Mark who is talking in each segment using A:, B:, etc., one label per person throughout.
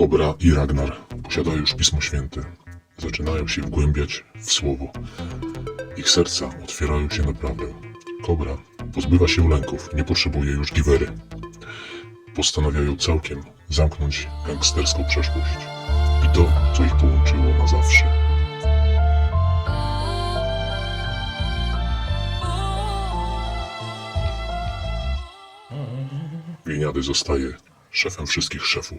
A: Kobra i Ragnar posiadają już Pismo Święte. Zaczynają się wgłębiać w Słowo. Ich serca otwierają się na prawdę. Kobra pozbywa się lęków, nie potrzebuje już giwery. Postanawiają całkiem zamknąć gangsterską przeszłość i to, co ich połączyło na zawsze. Gliniady zostaje szefem wszystkich szefów.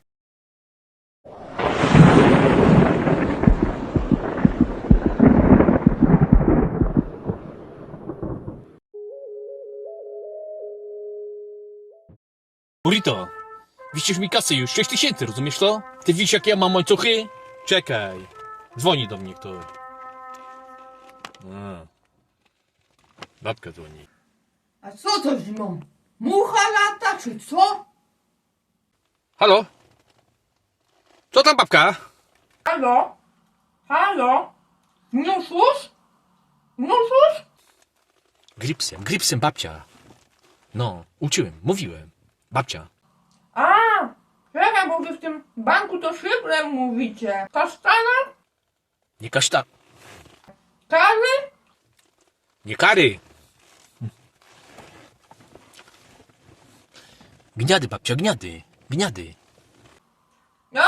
B: Burrito, wisisz mi kasy już, 6000, rozumiesz to? Ty widzisz, jakie ja mam łańcuchy? Czekaj, dzwoni do mnie ktoś. Babka dzwoni.
C: A co to zimą? Mucha lata, czy co?
B: Halo? Co tam, babka?
C: Halo? Halo? Wniosłeś? Wniosłeś?
B: Gripsem, babcia. No, uczyłem, mówiłem. Babcia.
C: A, czekaj, bo wy w tym banku to szybrem mówicie. Kasztana?
B: Nie kaszta...
C: Kawy?
B: Nie kary. Gniady, babcia, gniady. Gniady.
C: A,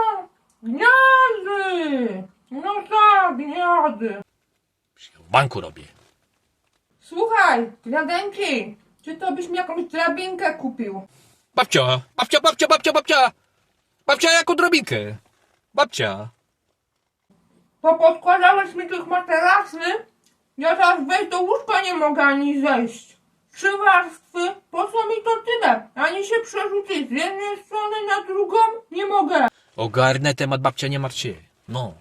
C: gniady! No tak, gniady.
B: W banku robię.
C: Słuchaj, gniadenki, czy to byś mi jakąś drabinkę kupił?
B: Babcia. Babcia, jaką drobinkę? Babcia.
C: To podkładałeś mi tych materasy? Ja teraz wejść do łóżka nie mogę ani zejść. 3 warstwy? Po co mi to tyle? Ani się przerzucić z jednej strony na drugą? Nie mogę.
B: Ogarnę temat, babcia, nie martw się. No.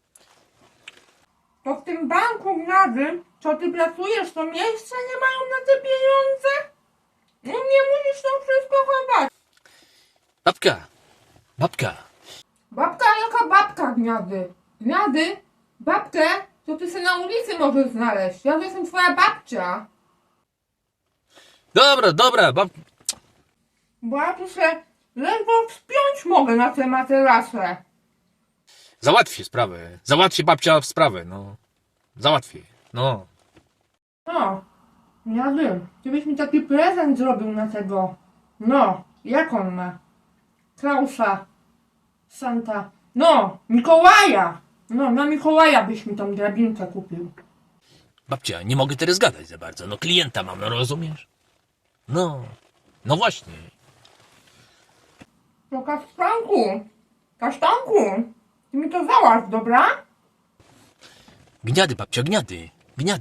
C: To w tym banku gniady, co ty pracujesz, to miejsca nie mają na te pieniądze? No nie musisz to wszystko chować.
B: Babka.
C: Babka, jaka babka gniady? Gniady? Babkę? To ty się na ulicy możesz znaleźć. Ja to jestem twoja babcia.
B: Dobra,
C: Bo ja tu się ledwo wspiąć mogę na te materasy.
B: załatwię sprawę. Załatwię, babcia, sprawę, no. Załatwię, no.
C: No, gniady, ty byś mi taki prezent zrobił na tego. No, jak on ma? Klausa. Santa. No, Mikołaja. No, na Mikołaja byś mi tą drabinkę kupił.
B: Babcia, nie mogę teraz gadać za bardzo. No klienta mam, no rozumiesz? No właśnie.
C: No kasztanku, ty mi to załatw, dobra?
B: Gniady, babcia, gniady.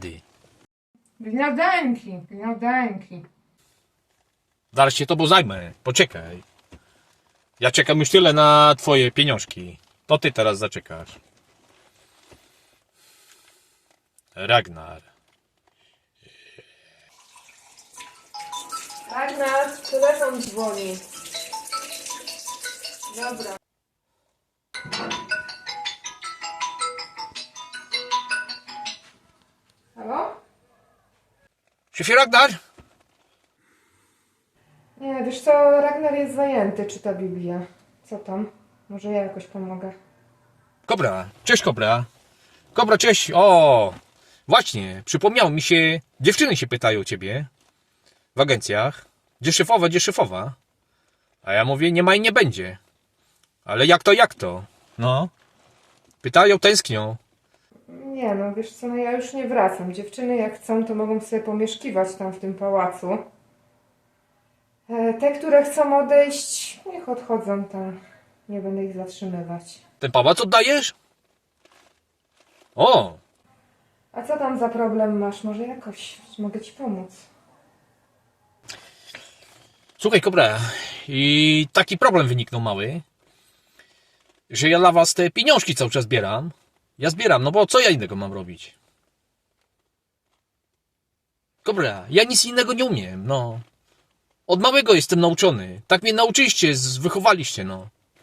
C: Gniadenki.
B: Zaraz się tobą zajmę, poczekaj. Ja czekam już tyle na twoje pieniążki. To ty teraz zaczekasz. Ragnar.
C: Ragnar, telefon dzwoni. Dobra. Halo?
B: Szefie Ragnar?
D: Nie, wiesz co, Ragnar jest zajęty, czyta Biblię. Co tam? Może ja jakoś pomogę.
B: Kobra, cześć Kobra. Kobra, cześć. O, właśnie, przypomniało mi się, dziewczyny się pytają o ciebie w agencjach. Gdzie szefowa? A ja mówię, nie ma i nie będzie. Ale jak to? No. Pytają, tęsknią.
D: Nie no, wiesz co, no ja już nie wracam. Dziewczyny jak chcą, to mogą sobie pomieszkiwać tam w tym pałacu. Te, które chcą odejść, niech odchodzą tam. Nie będę ich zatrzymywać.
B: Ten pałac oddajesz? O,
D: A co tam za problem masz? Może jakoś mogę ci pomóc?
B: słuchaj Kobra, i taki problem wyniknął mały, że ja dla was te pieniążki cały czas zbieram. Ja zbieram, no bo co ja innego mam robić? Kobra, ja nic innego nie umiem, no. Od małego jestem nauczony. Tak mnie nauczyliście, wychowaliście, no.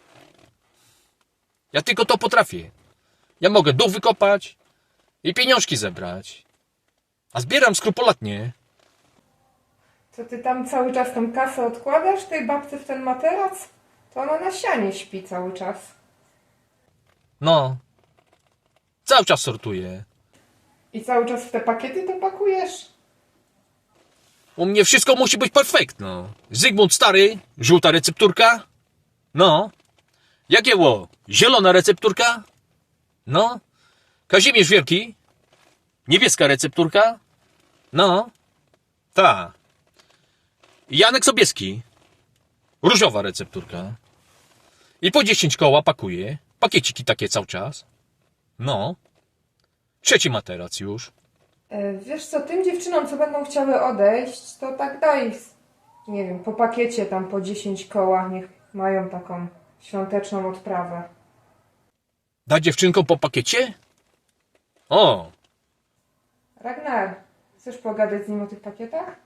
B: Ja tylko to potrafię. Ja mogę dół wykopać i pieniążki zebrać. A zbieram skrupulatnie.
D: Co ty tam cały czas tą kasę odkładasz tej babce w ten materac? To ona na sianie śpi cały czas.
B: No. Cały czas sortuję.
D: I cały czas w te pakiety to pakujesz?
B: U mnie wszystko musi być perfekt, no. Zygmunt Stary, żółta recepturka. No. Jagiełło, zielona recepturka. No. Kazimierz Wielki, niebieska recepturka. No. Ta. Janek Sobieski, różowa recepturka. I po 10 koła pakuję. Pakieciki takie cały czas. No. 3. materac już.
D: Wiesz co, tym dziewczynom, co będą chciały odejść, to tak daj, nie wiem, po pakiecie tam po 10 koła, niech mają taką świąteczną odprawę.
B: Da dziewczynkom po pakiecie? O,
D: Ragnar, chcesz pogadać z nim o tych pakietach?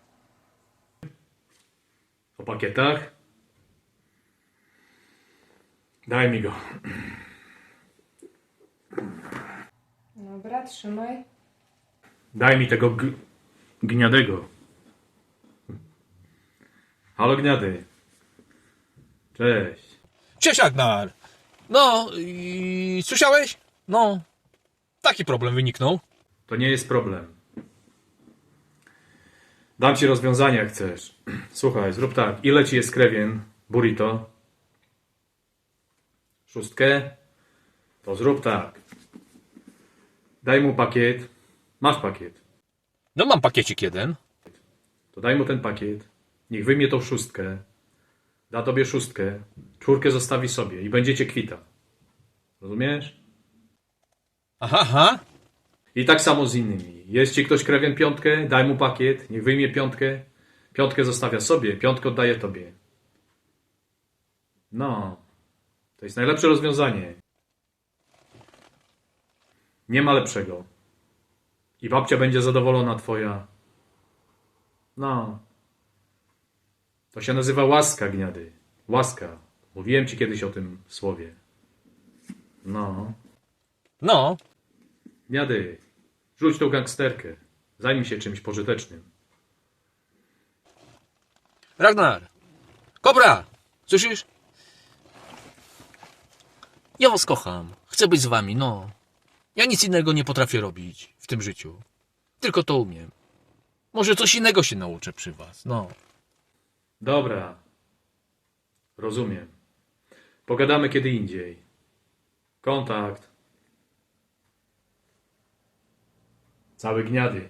E: O pakietach? Daj mi go.
D: Dobra, trzymaj.
E: Daj mi tego gniadego. Halo gniady. Cześć.
B: cześć Agnar. No, i słyszałeś? No, taki problem wyniknął.
E: To nie jest problem. Dam ci rozwiązanie jak chcesz. Słuchaj, zrób tak. Ile ci jest krewien burrito? 6? To zrób tak. Daj mu pakiet. Masz pakiet.
B: No mam pakiecik jeden.
E: To daj mu ten pakiet. Niech wyjmie tą 6. Da tobie 6. 4 zostawi sobie i będziecie kwita. Rozumiesz?
B: Aha, aha.
E: I tak samo z innymi. Jest ci ktoś krewien 5, daj mu pakiet, niech wyjmie 5. 5 zostawia sobie, 5 oddaje tobie. No. To jest najlepsze rozwiązanie. Nie ma lepszego. I babcia będzie zadowolona twoja. No. To się nazywa łaska, gniady. Łaska. Mówiłem ci kiedyś o tym słowie. No.
B: No,
E: Gniady, rzuć tą gangsterkę. Zajmij się czymś pożytecznym.
B: Ragnar. Kobra, słyszysz? Ja was kocham. Chcę być z wami, no. Ja nic innego nie potrafię robić w tym życiu. Tylko to umiem. Może coś innego się nauczę przy was, no.
E: Dobra. Rozumiem. Pogadamy kiedy indziej. Kontakt. Cały gniady.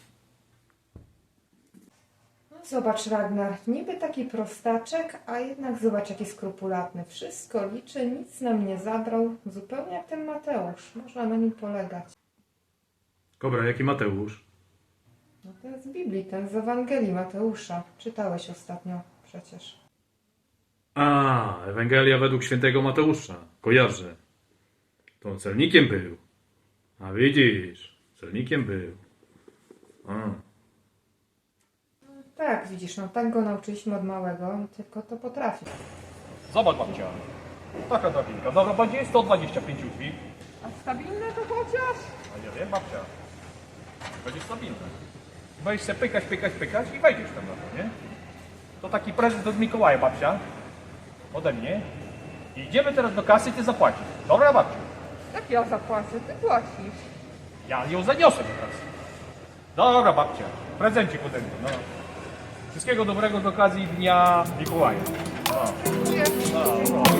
D: No zobacz, Ragnar, niby taki prostaczek, a jednak zobacz, jaki skrupulatny. Wszystko liczy, nic nam nie zabrał. Zupełnie jak ten Mateusz. Można na nim polegać.
E: Kobra, jaki Mateusz?
D: No to jest z Biblii, ten z Ewangelii Mateusza. Czytałeś ostatnio przecież.
E: A, Ewangelia według świętego Mateusza. Kojarzę. To on celnikiem był. A widzisz, celnikiem był. A.
D: Tak, widzisz, no tak go nauczyliśmy od małego i tylko to potrafi.
B: Zobacz babcia. Taka drabinka. Dobra, będzie 125 drzwi.
C: A stabilne to chociaż?
B: A nie wiem, babcia. Będzie stabilne. Będziesz se pykać i wejdziesz tam na to, nie? To taki prezent od Mikołaja, babcia. Ode mnie. I idziemy teraz do kasy i ty zapłacisz. Dobra, babciu?
C: Jak ja zapłacę, ty płacisz.
B: Ja ją zaniosę do kasy. Dobra, babcia. Prezencik ode mnie, no. Wszystkiego dobrego z okazji Dnia Mikołaja.
C: Dziękuję.
B: No.